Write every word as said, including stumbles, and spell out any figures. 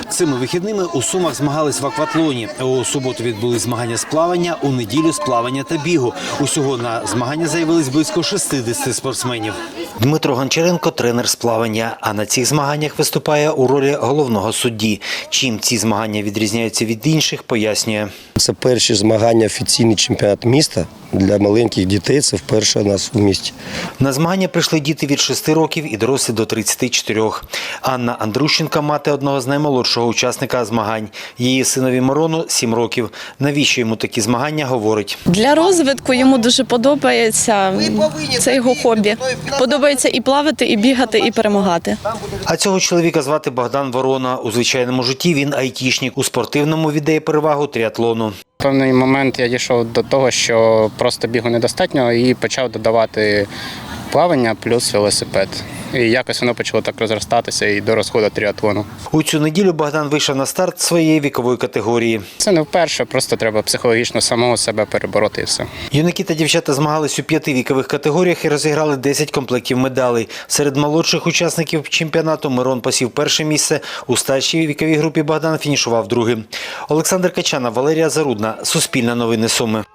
Цими вихідними у Сумах змагались в акватлоні. У суботу відбулись змагання з плавання, у неділю з плавання та бігу. Усього на змагання заявились близько шістдесят спортсменів. Дмитро Гончаренко – тренер з плавання, а на цих змаганнях виступає у ролі головного судді. Чим ці змагання відрізняються від інших, пояснює. Це перші змагання, офіційний чемпіонат міста для маленьких дітей. Це вперше у нас в місті. На змагання прийшли діти від шести років і дорослі до тридцяти чотирьох. Анна Андрущенко – мати одного з наймолодшого учасника змагань. Її синові Мирону – сім років. Навіщо йому такі змагання, говорить. Для розвитку йому дуже подобається, це його хобі. Подобається і плавати, і бігати, і перемагати. А цього чоловіка звати Богдан Ворона. У звичайному житті він айтішник. У спортивному віддає перевагу тріатлону. В певний момент я дійшов до того, що просто бігу недостатньо і почав додавати плавання плюс велосипед. І якось воно почало так розростатися і до розходу тріатлону. У цю неділю Богдан вийшов на старт своєї вікової категорії. Це не вперше, просто треба психологічно самого себе перебороти і все. Юнаки та дівчата змагались у п'яти вікових категоріях і розіграли десять комплектів медалей. Серед молодших учасників чемпіонату Мирон посів перше місце. У старшій віковій групі Богдан фінішував другим. Олександр Качана, Валерія Зарудна. Суспільне новини Суми.